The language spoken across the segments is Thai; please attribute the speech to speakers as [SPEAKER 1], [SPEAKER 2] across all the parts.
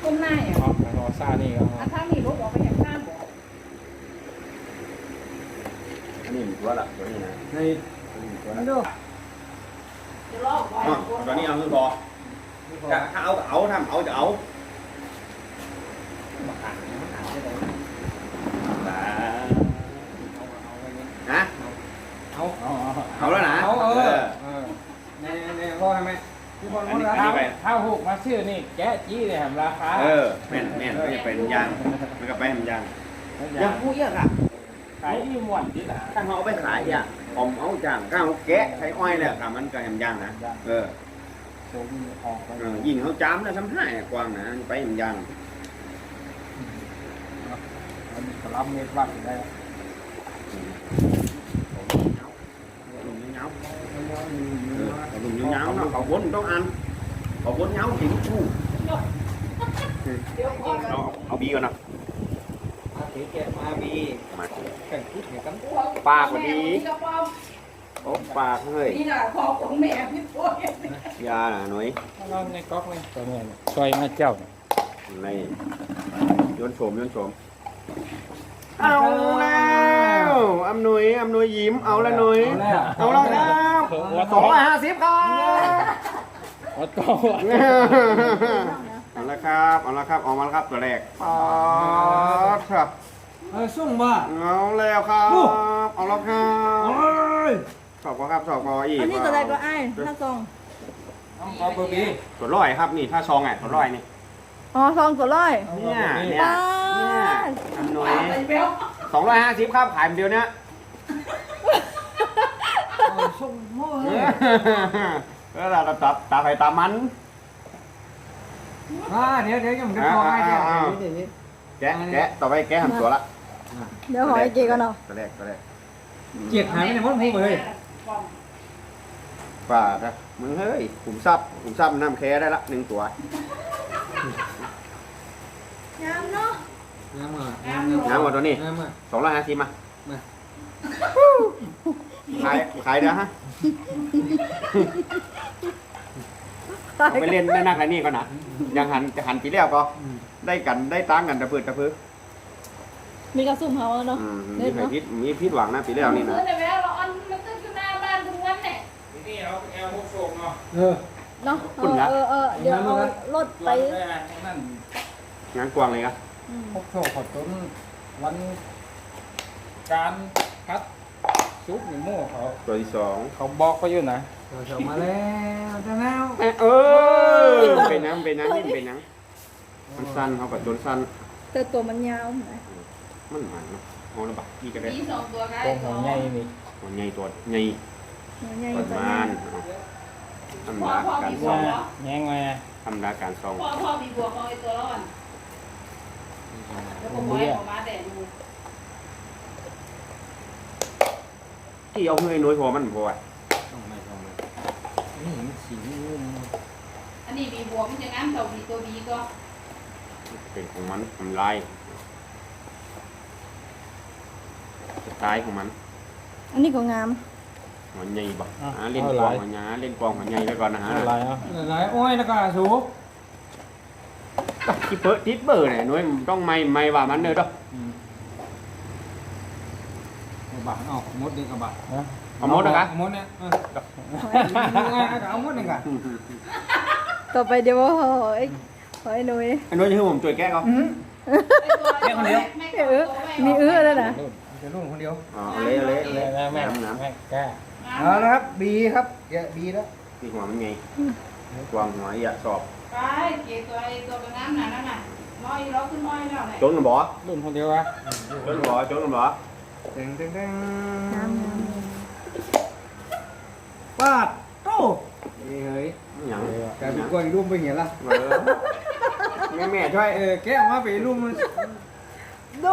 [SPEAKER 1] ต้นหน้าอ่ะ
[SPEAKER 2] รอซานี่ก็
[SPEAKER 1] ถ้ามีรถออกไปแห่งข้ามบอก
[SPEAKER 3] อันนี้ตัวละตัวนี้นะ
[SPEAKER 2] ใน
[SPEAKER 3] ตัวละ
[SPEAKER 1] จะลอกไว้
[SPEAKER 3] ตัวนี้เอาคือพอถ้าเอาทำเอาจะเอานะเอาแล้วนะ
[SPEAKER 2] ในพ่อทำไมที่คนคนถ้าหกมาซื้อนี่แกะจี้เลยทำราคา
[SPEAKER 3] แม่นไม่จะเป็นยางมันก็ไปทำยางยางผู้เยอะอ่ะ
[SPEAKER 2] ขายที่หมวดนี่แหละ
[SPEAKER 3] ถ้าเขาเอาไปขายอ่ะผมเอาจางก้าวแกะใช้อ้อยเนี่ยค่ะมันก็ทำยางนะยิงเขาจ้ำแล้วทำให้กว้างนะไปทำยาง
[SPEAKER 2] รับเม็ดวัดได้
[SPEAKER 3] ลุงเงาเนาะเขาบนต้องอันเขาบนเงาถึงชูเอาบีก่อนนะ
[SPEAKER 2] มาบีกันพูดเหกัน
[SPEAKER 3] ปากกว่าดีโอ้ปากเฮ้ย
[SPEAKER 1] นี่แหละคอของแม่พี่โอ้ย
[SPEAKER 3] ยาหน่อย
[SPEAKER 2] เราในก๊อกเลยตัวนี้ช่วยมาเจ้า
[SPEAKER 3] ในโยนโฉมเอาแล้วอำนวยยิ้มเอาแล้วหน่อยเอาแล้วครับ250ครับเอาละครับออกมาแล้วครับตัวแรกครับ
[SPEAKER 2] ส่งมา
[SPEAKER 3] เอาแล้วครับเอาแล้วครับสอบอีก
[SPEAKER 1] อันนี้ตัวใดก็ไอ้ถ้าซอง
[SPEAKER 2] เอาเบอร์บี
[SPEAKER 3] ตัวร้อยครับนี่ถ้าซองไงตัวร้อยนี่
[SPEAKER 1] ซองตัวร้อย
[SPEAKER 3] เนี่ยอำนวย250ครับขายเดียวเนี้ย
[SPEAKER 2] ส่งโม่
[SPEAKER 3] แล้วเราตาไฟตามัน
[SPEAKER 2] เดี๋ยวยังไม่พอให้
[SPEAKER 3] แกะต่อไปแกะทำตัวละ
[SPEAKER 1] เดี๋ยวขอไอ้เกกันเนาะ
[SPEAKER 3] ตัวแรก
[SPEAKER 2] เจียดหายไปในมดหูเลย
[SPEAKER 3] ป่าครับมึงเฮ้ยขุมทรัพย์น้ำแค่ได้ละ1ตัว
[SPEAKER 1] งามเนาะ
[SPEAKER 2] ง
[SPEAKER 3] ามกว่าตัวนี้250มาขายเด้อฮะไปเล่นได้นักอะไรนี่ก่อนนะยังหันปีแล้วก็ได้ตั้งกันตะพื้น
[SPEAKER 1] มีกระสุ่มเขาเนาะ
[SPEAKER 3] มีพิษหวังนะปีแล้วนี่นะ
[SPEAKER 1] ซื้อในแววเราอันมันตึ้งอยู่หน้าบ้านทุกวันเนี่ย
[SPEAKER 2] นี่เราแอลพวกโศกเนาะ
[SPEAKER 1] เนาะเดี๋ยวเอารถไป
[SPEAKER 3] งานกวางเลยครับ
[SPEAKER 2] พวกโศกขอต้นวันการพัดซุปหรือโม่เขา
[SPEAKER 3] ตัวที่2
[SPEAKER 2] เขาบอกเขาอยู่นะเขามาแล้วจะแล้ว
[SPEAKER 3] เป็นน้ำมันสั้นเขาปัดจนสั้น
[SPEAKER 1] แต่ตัวมันยาวไหม
[SPEAKER 3] มันหมันเนาะเอาละบักพี่ก็ได้
[SPEAKER 2] ตัวหัวใหญ่นี่
[SPEAKER 3] หัวใหญ่ตัวใหญ่ประมาณทำราการซอง
[SPEAKER 2] แง่ไง
[SPEAKER 3] ทำราการซอง
[SPEAKER 1] พ่อมีบวกเอาไอ้ตัวร้อนแล้วก็ม้อยออกมาแดดดู
[SPEAKER 3] ที่เอาเงยน้อยพอมันพอ
[SPEAKER 2] นี่สี
[SPEAKER 1] อันนี้มีบวกมันจะน้ำเท่ามีตัวบีก็
[SPEAKER 3] เป็นของมันทำลายสไตล์ของมัน
[SPEAKER 1] อันนี้ก็งาม
[SPEAKER 3] หัวใหญ่บ่เล่นกองหัวหยาเล่นกองหัวใหญ่แล้วก่อนนะฮะ
[SPEAKER 2] หลายอ้อยแล้วก็สูบ
[SPEAKER 3] ที่ทิปเบอร์เนี่ยน้อยต้องไม่ว่ามันเนอะด้
[SPEAKER 2] บะเอามดดีกับบะ
[SPEAKER 3] เอามดนะครับ
[SPEAKER 2] มดเนี่ยเอามดนี่กัน
[SPEAKER 1] ต่อไปเดี๋ยวไอ้นุ้ย
[SPEAKER 3] จะให้ผมช่วยแก้เขา
[SPEAKER 2] แก้คนเดียว
[SPEAKER 1] มีแล้วนะ
[SPEAKER 2] จะรุ่นคนเดียว
[SPEAKER 3] เละ
[SPEAKER 2] น้ำแก้เอาละครับบีครับแกะบีแล้ว
[SPEAKER 3] ที่หัวมันไงกวางหัวอย่าสอบ
[SPEAKER 1] ไปเกี่ยวตัวน้ำนั่นน่ะน้อยเราขึ้นน้อยแล้ว
[SPEAKER 3] โจนกันบ่
[SPEAKER 2] รุ่นคนเดียววะ
[SPEAKER 3] โจนกันบ่
[SPEAKER 2] ตึงปาดโต้เฮ้ย
[SPEAKER 3] อย่าง
[SPEAKER 2] การเป็นกวนรุ่มไปเหี้ยละ
[SPEAKER 3] แม่ช่วย
[SPEAKER 2] แกะมาไปรุ่มโด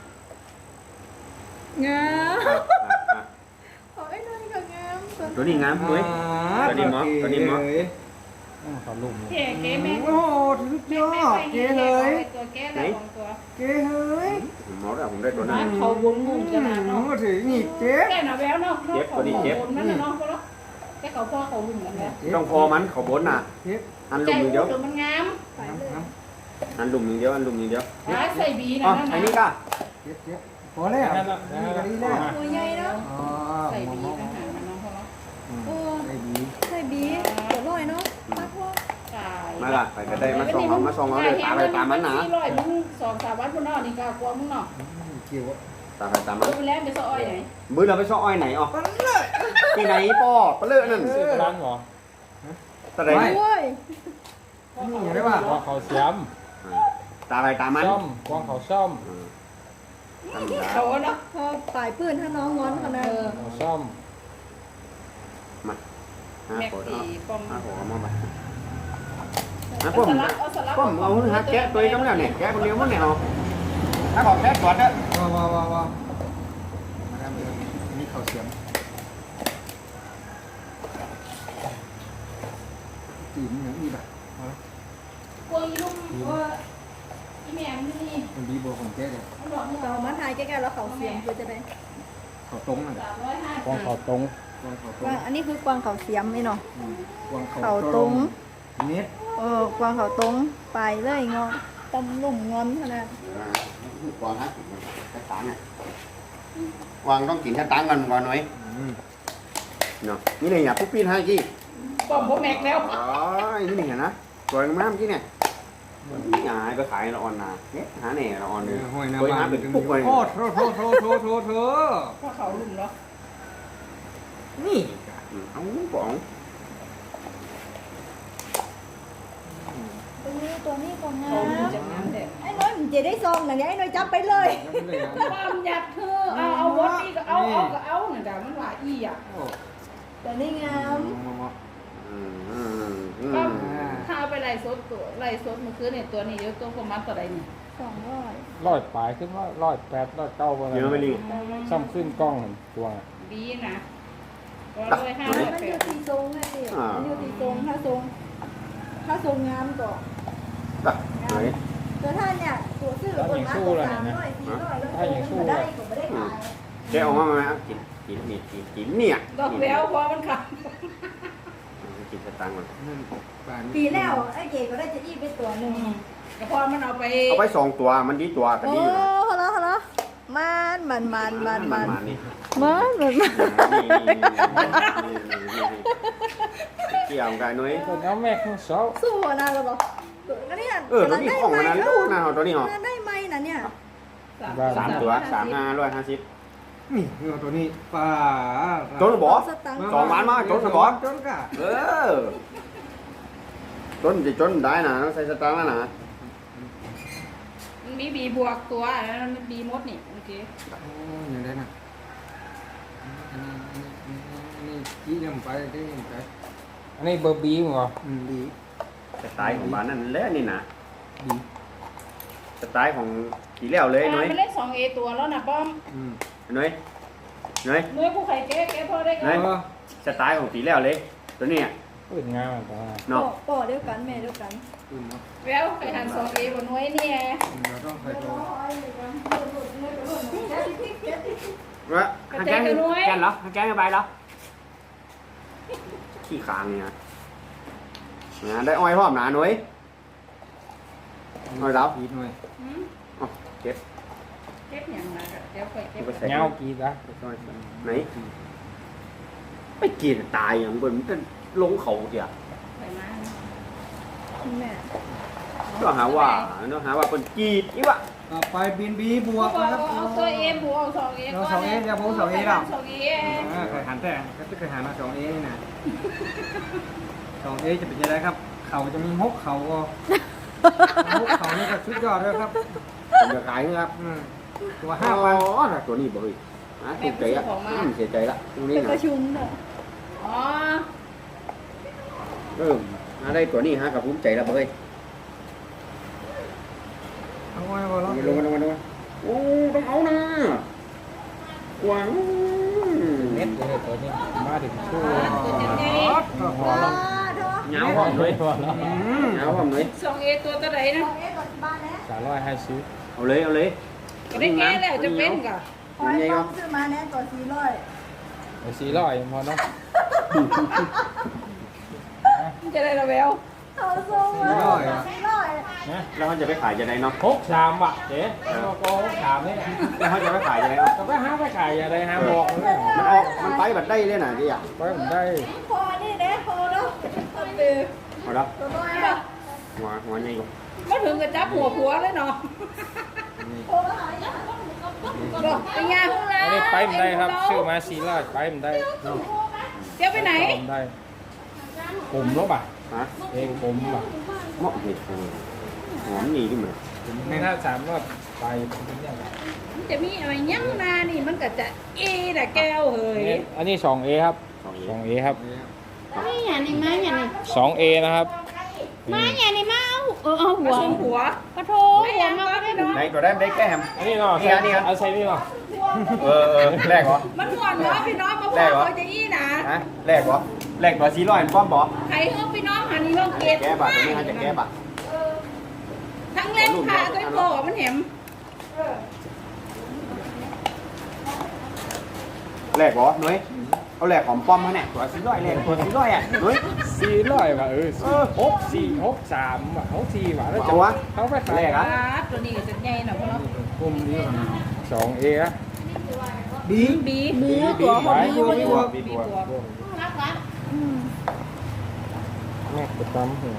[SPEAKER 1] งามไอ้นั่นก็งาม
[SPEAKER 3] ตัวนี้งามด้วยตัวนี้มอ
[SPEAKER 2] เขาลุ่ม
[SPEAKER 1] เก๋แม่
[SPEAKER 2] โอ้ทุกยอดเก๋เลย
[SPEAKER 1] ไหน
[SPEAKER 2] เก๋เฮ้ย
[SPEAKER 3] มอสผมได้ตัวนั้น
[SPEAKER 1] เขาบุญมุ่งขนาดเนาะ
[SPEAKER 2] ถือหนีบเจ๊
[SPEAKER 1] แก่หน่ะแววเนาะตัวนี้เจ็บนั่นเนาะแค่เขาพ่อเขาลุ่มกันแล้ว
[SPEAKER 3] ต้องพอมันเขาบนน่ะอันลุ่มเดียว
[SPEAKER 1] มันงาม
[SPEAKER 3] อันลุมอย่างเดียวอันลุมอย่างเดียว
[SPEAKER 1] ใส่บีนะ
[SPEAKER 3] อ๋อ
[SPEAKER 1] นั่น
[SPEAKER 3] ไอ้นี่
[SPEAKER 1] นะ
[SPEAKER 3] ก็
[SPEAKER 2] เจ็บพอแล้วนี่ก็ดีแล้ว
[SPEAKER 4] ตัวใหญ่เนาะ
[SPEAKER 2] อ๋อ
[SPEAKER 1] ใส่บีนะหามันน้องเขาเนาะ
[SPEAKER 2] ไอ้ดี
[SPEAKER 4] ใส่บีตัวน้อยเนาะปักว่า
[SPEAKER 1] ตาย
[SPEAKER 3] มาละไปก็ได้มาส่งเอาเลยตามไปตามมันนะ
[SPEAKER 1] 400มึง2-3วันพุ่นเนาะนี่ก็กลัวมึงเนาะ
[SPEAKER 2] เกี่ยว
[SPEAKER 3] ตามไปตามมัน
[SPEAKER 1] ดูแล้วไปซอยไหน
[SPEAKER 3] มื้อเราไปซ้ออ้อยไหนอ๋อที่ไหนป้อปะเลอะนั่น
[SPEAKER 2] ซื้อร้านหรอ
[SPEAKER 3] ตะได
[SPEAKER 4] โอ้ย
[SPEAKER 2] นี่ได้ป่ะ
[SPEAKER 5] กวางเขาเสียม
[SPEAKER 3] ตามไปตามมัน
[SPEAKER 5] ซ่อมกวางเขาซ่อม
[SPEAKER 3] ธรรมดา
[SPEAKER 1] เขาเนาะ
[SPEAKER 4] พอปลายปืนถ้าน้องงอนขนาด
[SPEAKER 5] เขาซ่อม
[SPEAKER 3] ห้า
[SPEAKER 1] แม็ก
[SPEAKER 3] คน
[SPEAKER 1] ตีป้อม
[SPEAKER 3] ห้าคนเอามาไป
[SPEAKER 1] เอา
[SPEAKER 3] ผม
[SPEAKER 1] สลักเอาสลัก
[SPEAKER 3] ผมเอาหาแกะตัวนี้ก็ไม่ได้เนี่ยแกะคนเดียวมันเนี่ยเอาถ้าบอกแกะก่อนเด้อ
[SPEAKER 2] ว้าวมาทำเลยนี่เขาเสียมจีนอย่างนี้แบบ
[SPEAKER 1] กลัวอีลุงว่าอีแม่มนี่
[SPEAKER 2] มันดีบัวของแจ๊เลย
[SPEAKER 1] มันบอกมึง
[SPEAKER 4] เรามาถ่ายใกล้ๆแล้วเขาเสียงคือจะได้
[SPEAKER 2] เขาตรงน่ะ
[SPEAKER 5] กวางเขาตรง
[SPEAKER 2] เขาตร
[SPEAKER 4] กวาง งอันนี้คือกวางเขาเสียมนี่เนาะ
[SPEAKER 2] กวาง
[SPEAKER 4] เขาตรง
[SPEAKER 2] เน็ต
[SPEAKER 4] กวางเขาตรงไปเลยงอนตำลุ่มงอนขนาด
[SPEAKER 3] ก่อนฮะแค่ตังค์วางต้องกินแค่ตังค์กันก่อนหน่อยเนาะนี่เนี่ยปุ๊บปีนให้กี้
[SPEAKER 1] ป้อมพวกแม็กแล้ว
[SPEAKER 3] อ๋อนี่เนี่ยนะตัวงามกี้เนี่ยหาก็ขายละออนนาเนี่ยหาเนี่ยละออนเลย
[SPEAKER 2] ห้อยหน้า
[SPEAKER 3] เคย
[SPEAKER 2] บ้า
[SPEAKER 3] หาน เป็นปุ๊บเลย
[SPEAKER 2] โอ้โถโถ
[SPEAKER 1] เพราะเขาลุมเนาะ
[SPEAKER 2] นี่
[SPEAKER 3] เอาป๋อง
[SPEAKER 4] ตัวนี้กวางงา
[SPEAKER 1] เขา
[SPEAKER 4] ม
[SPEAKER 1] ลุมจากนั้นแหละ
[SPEAKER 4] ไอ้น้อยมันจะได้ซองหนังไอ้น้อยจับไปเลย
[SPEAKER 1] ความอยากเธอเอาวอดนี่ก็เอาก็เอาเนี่ยแต่มันว่าอีอ่ะ
[SPEAKER 4] ตัวนี้งาม
[SPEAKER 1] ก็ถ้าเอาไปไล่สดตัวไล่สดเมื่อคืนเนี่ยตัวนี้เยอะตัวประมาณตัวใดนี่
[SPEAKER 4] 200
[SPEAKER 5] ลอยปลายขึ้นว่า108 109อะไร
[SPEAKER 3] เยอะไปลิง
[SPEAKER 5] ซ่อมขึ้นกล้องตัว
[SPEAKER 1] บีนะก็
[SPEAKER 3] ตัก
[SPEAKER 1] เลย
[SPEAKER 4] มันอยู่ที่ทรงไงพี่มันอยู่ที่ทรงถ้าทรงงามก็
[SPEAKER 3] ตักไหน
[SPEAKER 4] ตัวท่านเนี่ยตัวซื้อคนมาตัว300 400แล้วได้ก็ไม่ได้ขาย
[SPEAKER 3] แกออกมาไหมกินเนี่ย
[SPEAKER 1] ดอกแล้วพอมันขับ
[SPEAKER 3] กินสตังค์มัน
[SPEAKER 4] ปีแล้วไอ้เก๋ก็ได้จะอี้ไปตัวหนึ่ง
[SPEAKER 1] แต่พอมันเอาไป
[SPEAKER 3] เอาไป2ตัวมันดีตัวกัน
[SPEAKER 4] โอ้
[SPEAKER 3] ดีอยู่
[SPEAKER 4] ฮัลโหลมัน
[SPEAKER 3] นี่ เกี่ยวกันนุ้ย
[SPEAKER 5] ตัวน้ำแม่ของเสา
[SPEAKER 4] สู้นะเราบอกก็เนี่ย
[SPEAKER 3] ตัวนี้ของมันนะลูกนะตัวนี้หรอ
[SPEAKER 4] ได้ไหมนะเนี่ย
[SPEAKER 3] 3 ตัว 3,550
[SPEAKER 2] นี่ตัวนี้ป้า
[SPEAKER 3] จนบ่2 วันมาจนบ่
[SPEAKER 2] จนกะ
[SPEAKER 3] จนจะจนได้นะต้องใส่สตางค์แล้วนะ
[SPEAKER 1] มันมีบีบวกตัวแล้วมันบีมดนี่โอเค
[SPEAKER 2] อย่างไรนะนี่จี้ยำไปได้ยำไป
[SPEAKER 5] อันนี้เบอร์บีมั้งเหรอ
[SPEAKER 2] ดี
[SPEAKER 3] สไตล์ของบ้านนั่นแหละนี่นะ
[SPEAKER 2] ดี
[SPEAKER 3] สไตล์ของกี่แล้วเลยนุ้ย
[SPEAKER 1] มันเล่น2A ตัวแล้วนะป้อม
[SPEAKER 3] นุ้ย
[SPEAKER 1] นุ้ยผู้ไข่แก้พอได้ก็
[SPEAKER 3] สไตล์ของกี่แล้วเลยตัวนี้
[SPEAKER 5] ปืนงามตัวนั้น
[SPEAKER 3] เนาะ
[SPEAKER 4] ป่อเดียวกันแม่เดียวกัน
[SPEAKER 1] แล้วไข่หัน2A บนนุ้ยนี่
[SPEAKER 2] เราต้องใส่ตัว
[SPEAKER 3] ว่าแกงเหรอแกงไปเหรอขี้ขางเนี่ยได้อ้อยพร้อมหนานุ้ยอ้อยแล้ว
[SPEAKER 2] อีกหน่อย
[SPEAKER 3] เก็บ
[SPEAKER 1] เก็บอย่างไรเดี๋ยวค่อยเก็บ
[SPEAKER 5] เงากีดะ
[SPEAKER 3] ไหนไปกินตายอย่างบนมันลงเขาเดียว
[SPEAKER 1] ไปมา
[SPEAKER 4] แม่
[SPEAKER 3] ก็หาว่าเป็นกีดอีวะ
[SPEAKER 2] ต่อไปบินบีบวก
[SPEAKER 1] เอา
[SPEAKER 2] นะครับ
[SPEAKER 1] ตัว A บวกเอา 2A
[SPEAKER 2] เรา2A อย่าพูด 2A หรอก
[SPEAKER 1] 2A
[SPEAKER 2] เคยหันแต่ก็จะเคยหันมา2A นี่นะ 2A จะเป็นยังไงครับ เขาจะมี6เขาก็6เขานี่ก็ชุดยอดเลยครับ
[SPEAKER 3] จะขายนะครับ
[SPEAKER 2] ตัว
[SPEAKER 3] อ๋
[SPEAKER 2] 5,000
[SPEAKER 3] ตัวนี้บ่เฮ้ยถูกใจละเสียใจละตรงนี้
[SPEAKER 4] เป็น
[SPEAKER 3] นะ
[SPEAKER 4] ประชุมเนอะ
[SPEAKER 1] อ๋อ
[SPEAKER 3] ได้ตัวนี้ฮะกับภูมิใจละเฮ้ย
[SPEAKER 2] เอาไว้บ่ล่ะ
[SPEAKER 3] ลงโอ้ต้องเอานะกวาง
[SPEAKER 5] เม็ดเลยตัวนี้มาถึงชู้
[SPEAKER 1] ตัวยังไง
[SPEAKER 5] พอแล้ว
[SPEAKER 4] เถอะ
[SPEAKER 3] เหงาหอมเลย
[SPEAKER 5] พอแล้ว
[SPEAKER 3] เหงาหอมเลย
[SPEAKER 1] 2A ตัวเท่าไหร่นะ
[SPEAKER 4] ก่อนบ้านนะ
[SPEAKER 5] 350
[SPEAKER 3] เอาเลย
[SPEAKER 1] ก็ได้แก้แล้วจะเป็นกะ
[SPEAKER 4] คอยต้องซื้อมาแน่ก่อน400
[SPEAKER 5] ไป400พอเนาะ
[SPEAKER 1] จะได้ระเบล
[SPEAKER 4] เอาส่งมา400
[SPEAKER 5] นะ
[SPEAKER 4] 400
[SPEAKER 3] แล้วเขาจะไปขายจะได้เนาะ
[SPEAKER 5] 63บาทเจ๊ก็63นี่
[SPEAKER 3] แล้วเขาจะไปขายจะได้เนาะ
[SPEAKER 5] ก็ไปหาไปขายอะไรหาบอกเลย
[SPEAKER 3] มันออกมันไปแบบได้เลยนะที่อ่ะ
[SPEAKER 5] ไปผมได้
[SPEAKER 4] พอนี่เด้พอเนาะคนเดือ
[SPEAKER 3] เอาละ
[SPEAKER 4] ตัวน้อย
[SPEAKER 3] หัวใหญ่กว่า
[SPEAKER 1] ไม่ถึงกับจับหัวผัวเลยเนาะ
[SPEAKER 4] โอ้หายาก
[SPEAKER 1] บอกไปยาพวกเรา
[SPEAKER 5] อันนี้ไปผมได้ครับซื้อมา400ไปผมได้
[SPEAKER 1] เดี๋ยวไปไหน
[SPEAKER 5] ผมได้ผมลบอ่ะ
[SPEAKER 3] ฮะ
[SPEAKER 5] เองผมอ่ะ
[SPEAKER 3] เหมาะเห็ดหอมหนีขึ้นมา
[SPEAKER 5] ไม่ถ้า3รอบไปเป็นยังไง
[SPEAKER 1] มันจะมีอะไรยั้งนานี่มันก็จะแต่แก้วเฮ้ย
[SPEAKER 5] อันนี้ 2A ครับ 2A ครับ
[SPEAKER 1] ไม่อย่างนี้มาอย่างนี้
[SPEAKER 5] 2A นะครับ
[SPEAKER 1] มาอย่างนี้มาเอาหัวหัวปะโถหัวมาไม่ได้
[SPEAKER 3] ไหนตัวได้ได้แก้ม
[SPEAKER 5] อันนี้เนาะ
[SPEAKER 3] นี่ครับ
[SPEAKER 5] เอาใส่นี่เนาะ
[SPEAKER 3] แรกเหรอ
[SPEAKER 1] มันหัวเนาะพี่น้องมาบอกเขาจะนะ
[SPEAKER 3] ฮะแรกเหรอแรกตัว400ป้อมบอก
[SPEAKER 1] ใครเฮาพี่น้องหันนี่ห้องเกต
[SPEAKER 3] แก้บัตรตัวนี้ฮะจะแก้บัตร
[SPEAKER 1] ทั้งเล่นพาด้วยโบมันเห็ม
[SPEAKER 3] แรกเหรอนุ้ยเอาแรกของป้อมมาเนี่ยตัว400แรกตัว400อ่ะนุ้ย
[SPEAKER 5] 400ว่ะ64 63ว่ะ64ว่ะแล้วจะ
[SPEAKER 3] เอาวะ
[SPEAKER 5] เขาไปขาย
[SPEAKER 3] แรกอะ
[SPEAKER 1] ตัวนี้จะใหญ่หน่อยเพราะเรา
[SPEAKER 5] กลุ่มนี้ก่อนนะ 2A อะ
[SPEAKER 1] บีตัวหอมบี
[SPEAKER 3] บีบัว
[SPEAKER 1] บีบัวรักรัก
[SPEAKER 5] แม่กระตำหัว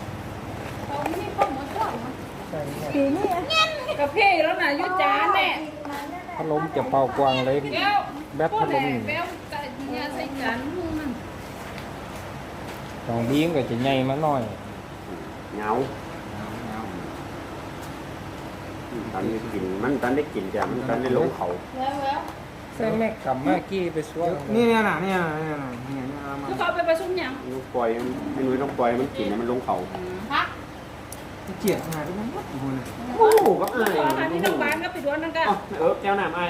[SPEAKER 4] ปีนี้
[SPEAKER 1] กาแฟแล้วน่ะยุจานแน่
[SPEAKER 5] พัดลมจะเป่ากวางเลย
[SPEAKER 1] แก้ว
[SPEAKER 5] แบตพัดลมนี่
[SPEAKER 1] แก้วแต่เนี่ยใส่จานมัน
[SPEAKER 5] 2B ก็จะใหญ่มาหน่อย
[SPEAKER 3] เหงาตอนนี้กินมันตอนได้กินจ้ะมันตอนได้ลงเขา
[SPEAKER 1] แล้ว
[SPEAKER 5] ใส่แม่กับแม่กี้ไปช่วย
[SPEAKER 2] นี่เนี่ยนะเนี่ยมา
[SPEAKER 1] คือเขาไปประชุมยัง
[SPEAKER 3] ต้องปล่อยไม่นุ้ยต้องปล่อยมันกินแล้วมันลงเขา
[SPEAKER 1] พัก
[SPEAKER 2] เจียดงานทุกคนทุกคน
[SPEAKER 3] โอ้โหก็อาย
[SPEAKER 1] อันนี้น้องบ้านก็ไปด้วยนั่นก็
[SPEAKER 3] แก้วน้ำไอ้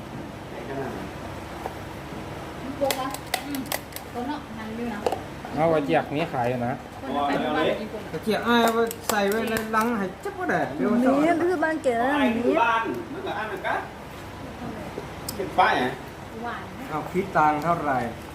[SPEAKER 1] โกงอ่ะตัวเนาะนั่นอยู่นะ
[SPEAKER 5] เอาว่าอยากนี้ขายนะ
[SPEAKER 1] คนไปบ้านกี่คน
[SPEAKER 2] ตะเกียบไอ้ใส่ไว้ในลังให้จับก็ได้เร็ว
[SPEAKER 4] มี
[SPEAKER 2] เท่า
[SPEAKER 4] คือบ้านเก๋
[SPEAKER 3] ไอ้ที่บ้านมันก็อันนั้นก็เป็นป้ายไง
[SPEAKER 1] หวาน
[SPEAKER 2] เอาคิดตังเท่าไหร่
[SPEAKER 1] ห